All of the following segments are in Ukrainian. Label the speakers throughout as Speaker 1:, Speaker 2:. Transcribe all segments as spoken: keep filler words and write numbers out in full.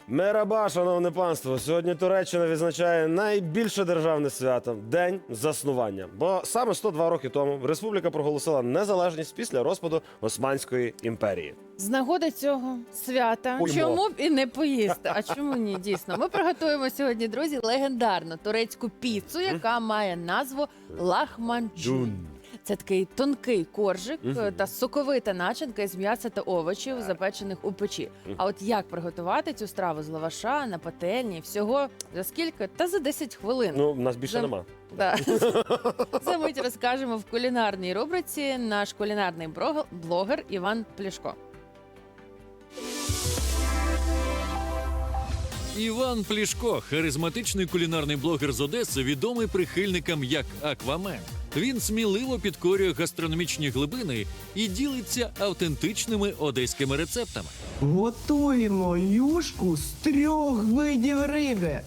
Speaker 1: Мераба, шановне панство! Сьогодні Туреччина відзначає найбільше державне свято – День заснування. Бо саме сто два роки тому республіка проголосила незалежність після розпаду Османської імперії.
Speaker 2: З нагоди цього свята
Speaker 1: Уймо.
Speaker 2: чому б і не поїсти? А чому ні? Дійсно, ми приготуємо сьогодні, друзі, легендарну турецьку піцу, яка має назву лахманджун. Це такий тонкий коржик
Speaker 1: Мгм.
Speaker 2: та соковита начинка із м'яса та овочів, запечених у печі. А от як приготувати цю страву з лаваша на пательні? Всього за скільки? Та за десять хвилин.
Speaker 1: Ну, в нас більше
Speaker 2: За-
Speaker 1: нема.
Speaker 2: Да. За мить розкажемо в кулінарній рубриці наш кулінарний брог- блогер Іван Плішко.
Speaker 3: Іван Плішко, харизматичний кулінарний блогер з Одеси, відомий прихильникам як Аквамен. Він сміливо підкорює гастрономічні глибини і ділиться автентичними одеськими рецептами.
Speaker 4: Готуємо юшку з трьох видів риби.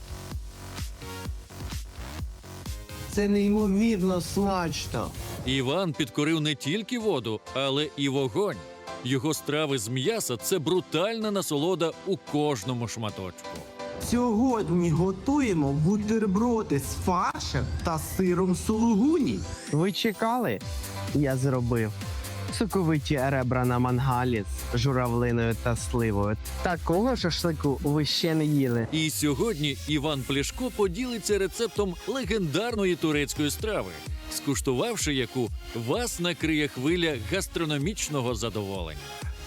Speaker 4: Це неймовірно смачно.
Speaker 3: Іван підкорив не тільки воду, але і вогонь. Його страви з м'яса – це брутальна насолода у кожному шматочку.
Speaker 4: Сьогодні готуємо бутерброди з фаршем та сиром сулугуні. Ви чекали? Я зробив. Соковиті ребра на мангалі з журавлиною та сливою. Такого шашлику ви ще не їли.
Speaker 3: І сьогодні Іван Плішко поділиться рецептом легендарної турецької страви, скуштувавши яку, вас накриє хвиля гастрономічного задоволення.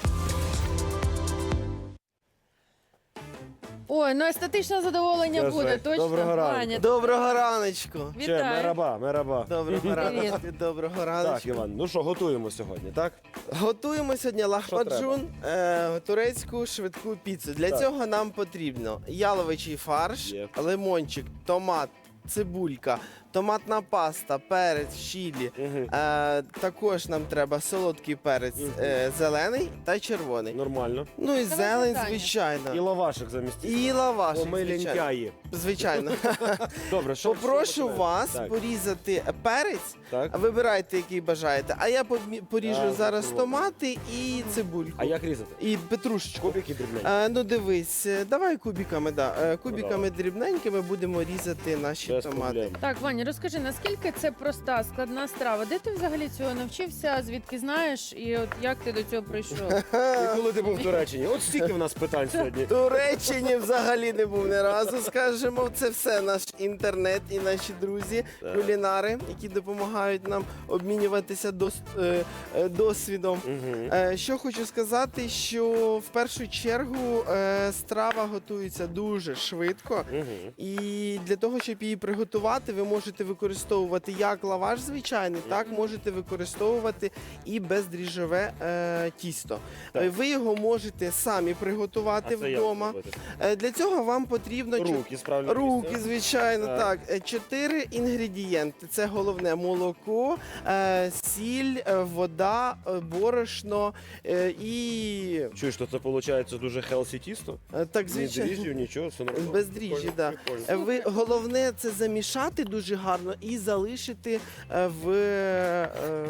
Speaker 2: Ой, ну естетичне задоволення
Speaker 1: Скажи,
Speaker 2: буде, точно.
Speaker 1: доброго ранку.
Speaker 2: Ваня,
Speaker 5: Доброго раночку.
Speaker 1: Ще
Speaker 2: Вітаю.
Speaker 1: мераба, мераба.
Speaker 5: Доброго раночку. Доброго
Speaker 1: Так,
Speaker 5: раночку.
Speaker 1: Іван, ну що, готуємо сьогодні, так?
Speaker 5: Готуємо сьогодні лахмаджун, е, турецьку швидку піцу. Для
Speaker 1: Так.
Speaker 5: цього нам потрібно яловичий фарш,
Speaker 1: Є.
Speaker 5: лимончик, томат, цибулька, томатна паста, перець, чилі.
Speaker 1: Мгм.
Speaker 5: Е, також нам треба солодкий перець е, зелений та червоний.
Speaker 1: Нормально.
Speaker 5: Ну і
Speaker 2: Давай
Speaker 5: зелень,
Speaker 2: питання.
Speaker 1: І
Speaker 5: звичайно.
Speaker 1: лавашик замість.
Speaker 5: І лаваш,
Speaker 1: О, ми
Speaker 5: звичайно.
Speaker 1: лінькаї.
Speaker 5: Звичайно.
Speaker 1: Добре, що
Speaker 5: Попрошу
Speaker 1: що починаємо?
Speaker 5: вас
Speaker 1: Так,
Speaker 5: порізати перець.
Speaker 1: так.
Speaker 5: Вибирайте, який бажаєте. А я помі- поріжу
Speaker 1: Так,
Speaker 5: зараз
Speaker 1: попробуй.
Speaker 5: томати і цибульку.
Speaker 1: А як різати?
Speaker 5: І петрушечку.
Speaker 1: Кубики дрібненькі.
Speaker 5: Е, ну дивись, е, давай кубиками, да. Е, кубиками дрібненькими будемо різати наші
Speaker 1: Без
Speaker 5: томати.
Speaker 1: проблем.
Speaker 2: Так, Ваня, розкажи, наскільки це проста, складна страва? Де ти взагалі цього навчився, звідки знаєш, і от як ти до цього прийшов?
Speaker 1: І коли ти був в Туреччині? От стільки в нас питань сьогодні.
Speaker 5: В Туреччині взагалі не був ні разу, скажемо. Це все наш інтернет і наші друзі,
Speaker 1: Так.
Speaker 5: кулінари, які допомагають нам обмінюватися дос- е, е, досвідом.
Speaker 1: Мгм.
Speaker 5: Е, Що хочу сказати, що в першу чергу е, страва готується дуже швидко.
Speaker 1: Мгм.
Speaker 5: І для того, щоб її приготувати, ви можете використовувати як лаваш звичайний, так можете використовувати і бездріжджове е, тісто.
Speaker 1: Так.
Speaker 5: Е, Ви його можете самі приготувати
Speaker 1: А це як
Speaker 5: вдома.
Speaker 1: зробити?
Speaker 5: Е, Для цього вам потрібно чо-
Speaker 1: Руки справді.
Speaker 5: Руки, звичайно,
Speaker 1: Так.
Speaker 5: так. Е, Чотири інгредієнти. Це головне молоко, е, сіль, е, вода, е, борошно е, і
Speaker 1: Чуєш, що це виходить дуже хелсі тісто?
Speaker 5: е, так,
Speaker 1: Ні
Speaker 5: звичайно.
Speaker 1: дріжджів, нічого, все нормально.
Speaker 5: Без дріжджі,
Speaker 1: Прикольно,
Speaker 5: да.
Speaker 1: прикольно.
Speaker 5: Е, Ви головне це замішати дуже гарно і залишити е, в е,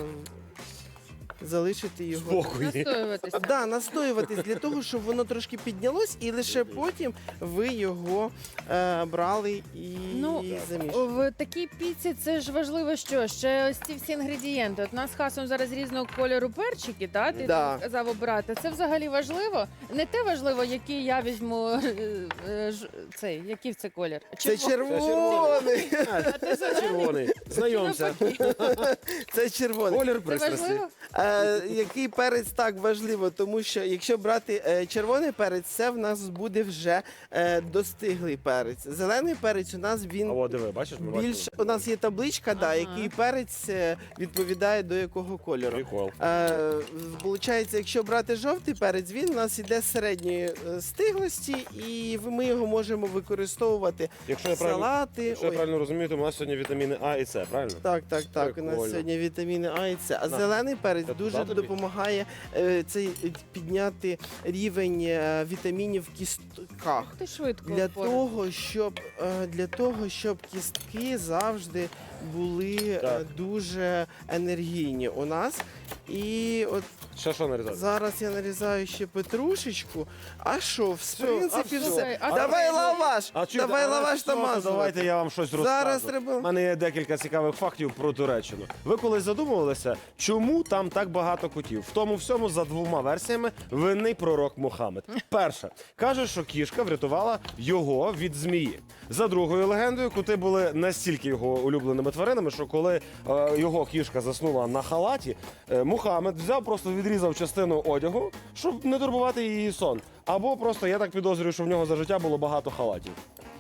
Speaker 5: залишити його.
Speaker 1: Спокій.
Speaker 2: Настоюватися.
Speaker 5: Да, настоюватись для того, щоб воно трошки піднялось, і лише потім ви його е, брали і
Speaker 2: Ну,
Speaker 5: замішували.
Speaker 2: В такій піці це ж важливо, що ще ось ці всі інгредієнти. От у нас з хасом зараз різного кольору перчики, та ти
Speaker 5: Да.
Speaker 2: там казав обрати. Це взагалі важливо. Не те важливо, який я візьму е, е, ж- цей, який це колір.
Speaker 5: Це
Speaker 2: Черво-
Speaker 5: червоний.
Speaker 1: А, Це червоний. Знайомся.
Speaker 5: Це червоний.
Speaker 1: Колір
Speaker 2: Це
Speaker 1: пристрасті.
Speaker 2: важливо?
Speaker 5: Е, який перець так важливо, тому що якщо брати е, червоний перець, це в нас буде вже е, достиглий перець. Зелений перець у нас він
Speaker 1: А от диви, бачиш, ми
Speaker 5: більш
Speaker 1: бачимо.
Speaker 5: у нас є табличка, да,
Speaker 2: Ага.
Speaker 5: який перець е, відповідає до якого кольору.
Speaker 1: Прикол.
Speaker 5: Е, Получається, якщо брати жовтий перець, він у нас іде середньої е, стиглості, і ви- ми його можемо використовувати
Speaker 1: Якщо я
Speaker 5: в
Speaker 1: правильно,
Speaker 5: салати.
Speaker 1: якщо я
Speaker 5: Ой,
Speaker 1: правильно розумію, то у нас сьогодні вітаміни А і С, правильно?
Speaker 5: Так, так, так. У
Speaker 1: Прикольно.
Speaker 5: нас сьогодні вітаміни А і С. А
Speaker 1: На.
Speaker 5: зелений перець
Speaker 1: Це
Speaker 5: дуже
Speaker 1: туди тобі?
Speaker 5: допомагає е, цей, е, підняти рівень е, вітамінів в кістках.
Speaker 2: Ти швидко
Speaker 5: Для
Speaker 2: впорався.
Speaker 5: того, щоб е, для того, щоб кістки завжди були е,
Speaker 1: Так.
Speaker 5: дуже енергійні у нас. І от
Speaker 1: Ще що нарізати?
Speaker 5: зараз я нарізаю ще петрушечку. А що, в
Speaker 1: Все,
Speaker 5: принципі,
Speaker 1: а все.
Speaker 5: все.
Speaker 2: А
Speaker 5: Давай
Speaker 2: це-
Speaker 5: лаваш!
Speaker 1: А чи-
Speaker 5: Давай
Speaker 1: а
Speaker 5: лаваш
Speaker 1: що, то
Speaker 5: намазувати.
Speaker 1: Давайте я вам щось розкажу.
Speaker 5: Зараз треба-
Speaker 1: У мене є декілька цікавих фактів про Туреччину. Ви колись задумувалися, чому там так багато котів? В тому всьому за двома версіями винний пророк Мухаммед. Перша каже, що кішка врятувала його від змії. За другою легендою, коти були настільки його улюбленими тваринами, що коли е, його кішка заснула на халаті, е, Мухаммед взяв, просто відрізав частину одягу, щоб не турбувати її сон. Або просто я так підозрюю, що в нього за життя було багато халатів.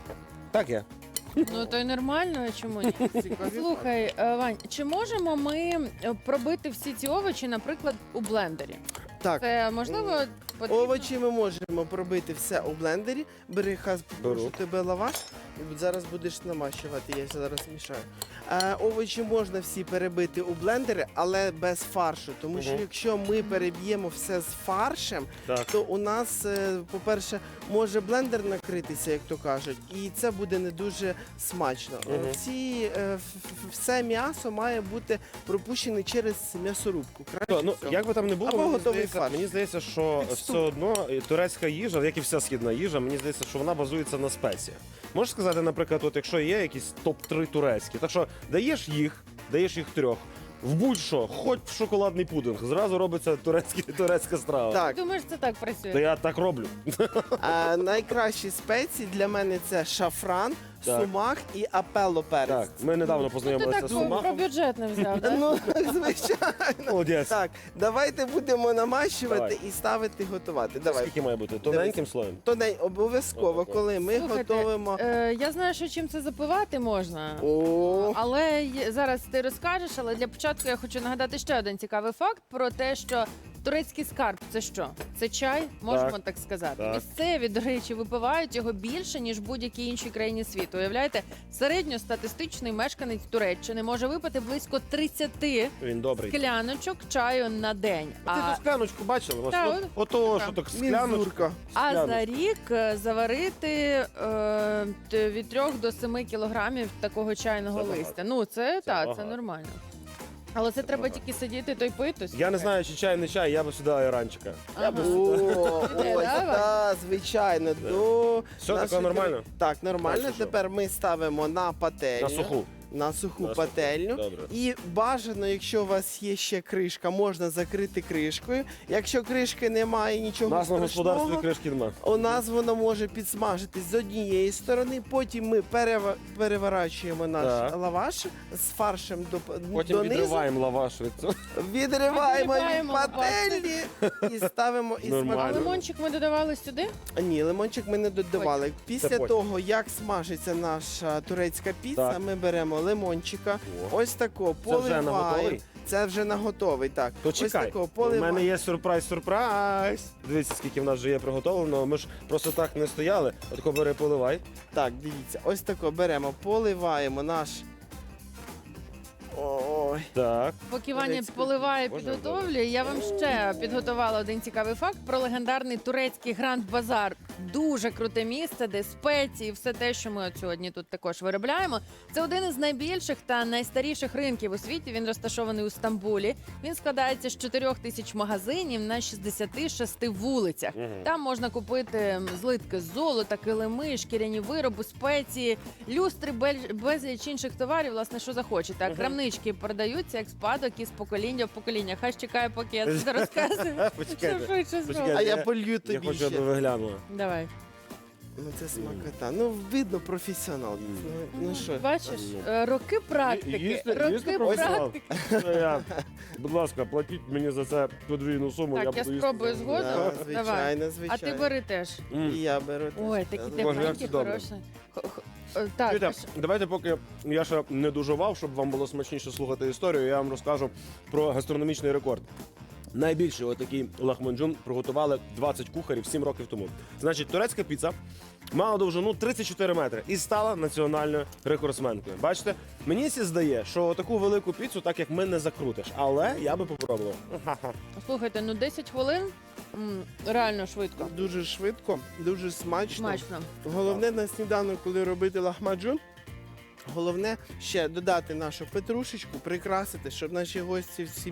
Speaker 1: Так є.
Speaker 2: Ну то й нормально, а чому ні? Слухай, е, Вань, чи можемо ми е, пробити всі ці овочі, наприклад, у блендері?
Speaker 5: Так,
Speaker 2: Це можливо потрібно?
Speaker 5: овочі ми можемо пробити все у блендері. Бери, хас,
Speaker 1: Беру.
Speaker 5: прошу тебе лаваш. І зараз будеш намащувати, я зараз мішаю. Е, овочі можна всі перебити у блендері, але без фаршу. Тому що
Speaker 1: Мгм.
Speaker 5: якщо ми переб'ємо все з фаршем,
Speaker 1: Так.
Speaker 5: то у нас, е, по-перше, може блендер накритися, як то кажуть, і це буде не дуже смачно. Е,
Speaker 1: Мгм.
Speaker 5: Всі, е, ф- ф- все м'ясо має бути пропущене через м'ясорубку. Краще
Speaker 1: Ну,
Speaker 5: всього.
Speaker 1: як би там не було,
Speaker 5: Або
Speaker 1: мені
Speaker 5: готовий
Speaker 1: здається,
Speaker 5: фарш.
Speaker 1: мені здається, що
Speaker 5: Під
Speaker 1: все одно е, турецька їжа, як і вся східна їжа, мені здається, що вона базується на спеціях. Можеш сказати, наприклад, от якщо є якісь топ три турецькі, так що даєш їх, даєш їх трьох, в будь-що, хоч в шоколадний пудинг, зразу робиться турецький, турецька страва.
Speaker 5: Так,
Speaker 2: Думаєш, це так працює?
Speaker 1: Та я так роблю.
Speaker 5: а, найкращі спеції для мене це шафран,
Speaker 1: Так.
Speaker 5: сумах і апелло перець.
Speaker 1: Так, ми недавно
Speaker 2: Ну, ти
Speaker 1: познайомилися
Speaker 2: так
Speaker 1: з
Speaker 2: про
Speaker 1: Сумахом.
Speaker 2: бюджет не взяв, так?
Speaker 5: Ну, звичайно.
Speaker 1: Молодець.
Speaker 5: Так, давайте будемо намащувати
Speaker 1: Давай.
Speaker 5: і ставити готувати. Давай.
Speaker 1: Скільки має бути? Тоненьким слоєм?
Speaker 5: То не обов'язково,
Speaker 1: Отако.
Speaker 5: коли ми
Speaker 2: Слухайте,
Speaker 5: готуємо.
Speaker 2: Е, я знаю, що чим це запивати можна.
Speaker 5: О,
Speaker 2: Але є- зараз ти розкажеш, але для початку я хочу нагадати ще один цікавий факт про те, що турецький скарб це що? Це чай, можемо так,
Speaker 1: Так,
Speaker 2: сказати.
Speaker 1: так.
Speaker 2: Місцеві, до речі, випивають його більше, ніж в будь-якій іншій країні світу. Уявляєте, середньостатистичний мешканець Туреччини може випити близько тридцять
Speaker 1: Він добрий.
Speaker 2: скляночок чаю на день.
Speaker 1: Ти
Speaker 2: А,
Speaker 1: ту скляночку бачила?
Speaker 2: Та,
Speaker 1: Ось,
Speaker 2: от-
Speaker 1: Ото,
Speaker 2: така.
Speaker 1: що так скляночка.
Speaker 5: мінзурка.
Speaker 2: а
Speaker 1: скляночку.
Speaker 2: за рік е, заварити е, т- від трьох до семи кілограмів такого чайного
Speaker 1: Це багато.
Speaker 2: листя. Ну, це, так, це
Speaker 1: багато.
Speaker 2: нормально. Але це, треба
Speaker 1: багато.
Speaker 2: тільки сидіти то й пити.
Speaker 1: Я не знаю, чи чай, не чай, я би сюди айранчика. Я би
Speaker 2: Ага.
Speaker 1: сюди.
Speaker 5: О,
Speaker 2: Іде,
Speaker 5: ось,
Speaker 2: да,
Speaker 5: так, звичайно. До
Speaker 1: Все
Speaker 5: нашої
Speaker 1: таке нормально?
Speaker 5: кри- Так, нормально.
Speaker 1: Дальше що?
Speaker 5: Тепер ми ставимо на пательню.
Speaker 1: На суху.
Speaker 5: На суху
Speaker 1: На суху.
Speaker 5: пательню.
Speaker 1: Добре.
Speaker 5: І бажано, якщо у вас є ще кришка, можна закрити кришкою. Якщо кришки немає,
Speaker 1: У
Speaker 5: нічого
Speaker 1: нас на
Speaker 5: страшного.
Speaker 1: господарстві кришки нема.
Speaker 5: У нас воно може підсмажитись з однієї сторони, потім ми перева- переворачуємо наш
Speaker 1: Так.
Speaker 5: лаваш з фаршем до,
Speaker 1: Потім
Speaker 5: донизу,
Speaker 1: відриваємо лаваш від цього.
Speaker 5: відриваємо від
Speaker 2: Відриваємо
Speaker 5: пательні і ставимо і
Speaker 1: Нормально.
Speaker 2: А
Speaker 5: смакуємо.
Speaker 2: лимончик ми додавали сюди?
Speaker 5: Ні, лимончик ми не додавали. Після
Speaker 1: потім.
Speaker 5: того, як смажиться наша турецька піца,
Speaker 1: Так.
Speaker 5: ми беремо лимончика.
Speaker 1: О.
Speaker 5: Ось тако
Speaker 1: Це вже на
Speaker 5: поливаємо.
Speaker 1: готовий?
Speaker 5: Це вже на готовий, так.
Speaker 1: То
Speaker 5: Ось
Speaker 1: чекай,
Speaker 5: тако
Speaker 1: у
Speaker 5: поливаємо.
Speaker 1: мене є сюрприз-сюрприз. Дивіться, скільки в нас вже є приготовлено. Ми ж просто так не стояли. Отако бери, поливай.
Speaker 5: Так, дивіться, ось тако беремо, поливаємо наш. Ой.
Speaker 1: Так.
Speaker 2: Поки Ваня
Speaker 5: Турецький.
Speaker 2: поливає,
Speaker 1: Боже,
Speaker 2: підготовлює, я вам ще підготувала один цікавий факт про легендарний турецький Гранд Базар. Дуже круте місце, де спеції, все те, що ми от сьогодні тут також виробляємо. Це один із найбільших та найстаріших ринків у світі. Він розташований у Стамбулі. Він складається з чотирьох тисяч магазинів на шістдесяти шести вулицях.
Speaker 1: Мгм.
Speaker 2: Там можна купити злитки з золота, килими, шкіряні вироби, спеції, люстри, бель- безліч інших товарів, власне, що захочете. А
Speaker 1: Мгм.
Speaker 2: крамнички продаються як спадок із покоління в покоління. Хай чекає, поки я це розказую. Щоб
Speaker 1: Почекайте.
Speaker 2: швидше
Speaker 1: Почекайте.
Speaker 2: зробити.
Speaker 5: А я
Speaker 1: Я-
Speaker 5: полью
Speaker 1: Я
Speaker 5: тобі
Speaker 1: хочу, аби
Speaker 5: ще.
Speaker 1: ви глянули.
Speaker 2: Давай.
Speaker 5: Ну це смакота. Ну видно професіонал. Ну, ну що?
Speaker 2: Бачиш, е, роки практики.
Speaker 1: Їсти-
Speaker 2: роки
Speaker 1: їсти професіонал.
Speaker 2: практики.
Speaker 1: Це я. Будь ласка, платіть мені за це подвійну суму.
Speaker 2: Так, я
Speaker 1: буду їсти.
Speaker 2: спробую згодом.
Speaker 5: Да,
Speaker 2: Давай.
Speaker 5: звичайно,
Speaker 2: А
Speaker 5: звичайно.
Speaker 2: ти бери теж.
Speaker 1: М.
Speaker 5: І я беру. теж.
Speaker 2: Ой, такі
Speaker 5: Так.
Speaker 1: Боже, як
Speaker 2: тепленькі,
Speaker 1: це добре.
Speaker 2: хороші. Х- х- е, Так,
Speaker 1: Чуєте,
Speaker 2: а що-
Speaker 1: давайте, поки я ще не дожував, щоб вам було смачніше слухати історію, я вам розкажу про гастрономічний рекорд. Найбільший отакий лахманджун приготували двадцять кухарів сім років тому. Значить, турецька піца мала довжину тридцять чотири метри і стала національною рекордсменкою. Бачите, мені сі здає, що таку велику піцу так як ми не закрутиш, але я би попробував. Ха-ха.
Speaker 2: Слухайте, ну десять хвилин м, реально швидко.
Speaker 5: Дуже швидко, дуже смачно.
Speaker 2: Смачно.
Speaker 5: Головне на сніданок, коли робити лахмаджун, головне ще додати нашу петрушечку, прикрасити, щоб наші гості в сім'ї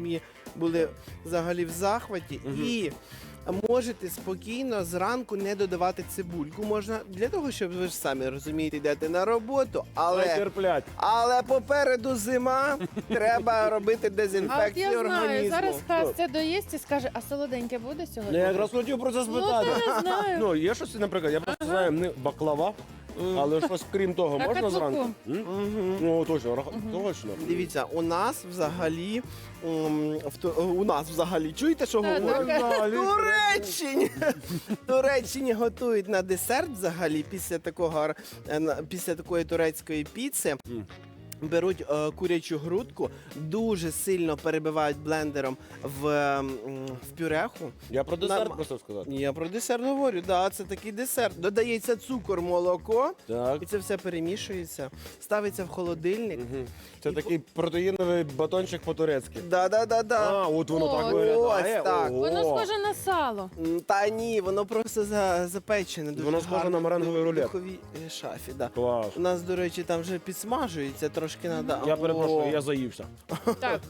Speaker 5: були взагалі в захваті. І можете спокійно зранку не додавати цибульку. Можна для того, щоб ви ж самі розумієте, йдете на роботу,
Speaker 1: Але
Speaker 5: але,
Speaker 1: терплять.
Speaker 5: але попереду зима, треба робити
Speaker 2: А от
Speaker 5: дезінфекцію
Speaker 2: я знаю,
Speaker 5: організму.
Speaker 2: зараз Хас це доїсть і скаже, а солоденьке буде
Speaker 1: Я
Speaker 2: сьогодні?
Speaker 1: якраз хотів про це
Speaker 2: Ну,
Speaker 1: спитати.
Speaker 2: та не знаю.
Speaker 1: Ну, є щось, наприклад, я просто знаю, не баклава, але щось крім того можна
Speaker 2: Ракатлуку.
Speaker 1: зранку? М? Ну, точно, рака- точно.
Speaker 5: Дивіться, у нас взагалі м, в Ту- у нас взагалі чуєте, що
Speaker 2: Так,
Speaker 5: говорять?
Speaker 2: так.
Speaker 5: В Туреччині! В Туреччині готують на десерт взагалі після такого е, на- після такої турецької піци.
Speaker 1: Мгм.
Speaker 5: Беруть е, курячу грудку, дуже сильно перебивають блендером в, м, в пюреху.
Speaker 1: Я про десерт
Speaker 5: Норм-
Speaker 1: просто сказати.
Speaker 5: Я про десерт говорю, да, це такий десерт. Додається цукор, молоко,
Speaker 1: Так.
Speaker 5: і це все перемішується, ставиться в холодильник.
Speaker 1: Мгм. Це такий протеїновий батончик по-турецьки.
Speaker 5: Да-да-да-да.
Speaker 1: А, от воно
Speaker 2: О,
Speaker 1: так
Speaker 2: ось
Speaker 1: виглядає.
Speaker 5: так.
Speaker 1: Ого.
Speaker 2: Воно схоже на сало.
Speaker 5: М, Та ні, воно просто за, запечене. Дуже
Speaker 1: Воно схоже
Speaker 5: гарно
Speaker 1: на меренговий
Speaker 5: в
Speaker 1: рулет.
Speaker 5: духовій е, шафі. Да.
Speaker 1: Клас.
Speaker 5: У нас, до речі, там вже підсмажується, трошки треба.
Speaker 1: Я перепрошую, я заївся.
Speaker 2: Так.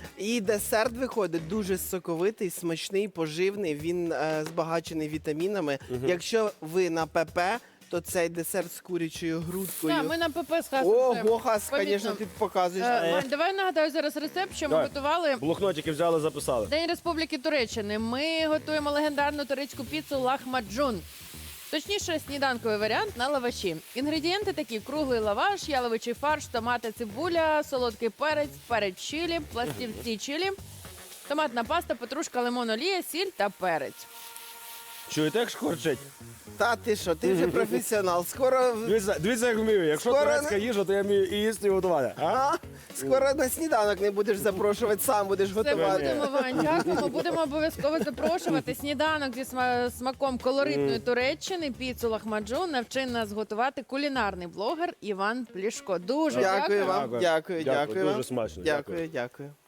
Speaker 5: І десерт виходить дуже соковитий, смачний, поживний. Він е, збагачений вітамінами. Якщо ви на ПП, то цей десерт з курячою грудкою.
Speaker 2: Так, ми на ПП з Хасом.
Speaker 5: Ого, Хас,
Speaker 2: Помітно.
Speaker 5: звісно, ти показуєш.
Speaker 2: Е, Мань, давай нагадаю зараз рецепт, що ми
Speaker 1: Давай.
Speaker 2: готували.
Speaker 1: Блокнотики взяли, записали.
Speaker 2: День Республіки Туреччини. Ми готуємо легендарну турецьку піцу лахмаджун. Точніше, сніданковий варіант на лаваші. Інгредієнти такі: круглий лаваш, яловичий фарш, томати, цибуля, солодкий перець, перець чилі, пластівці чилі, томатна паста, петрушка, лимон, олія, сіль та перець.
Speaker 1: Чуєте, як шкварчить?
Speaker 5: Та ти що, ти вже професіонал. Скоро,
Speaker 1: Дивіться, дивіться, як вмію. Якщо
Speaker 5: Скоро
Speaker 1: турецька
Speaker 5: не-
Speaker 1: їжа, то я вмію і їсти, і готувати. А?
Speaker 5: а? Скоро на сніданок не будеш запрошувати, сам будеш
Speaker 2: Це
Speaker 5: готувати.
Speaker 2: будемо, Вань, дякуємо. Будемо обов'язково запрошувати. Сніданок зі сма- смаком колоритної Туреччини, піцу лахмаджун навчив нас готувати кулінарний блогер Іван Плішко. Дуже
Speaker 5: Дякую
Speaker 2: дякую.
Speaker 5: вам, дякую,
Speaker 1: Дякую,
Speaker 5: дякую. вам.
Speaker 1: дуже смачно,
Speaker 5: Дякую, дякую.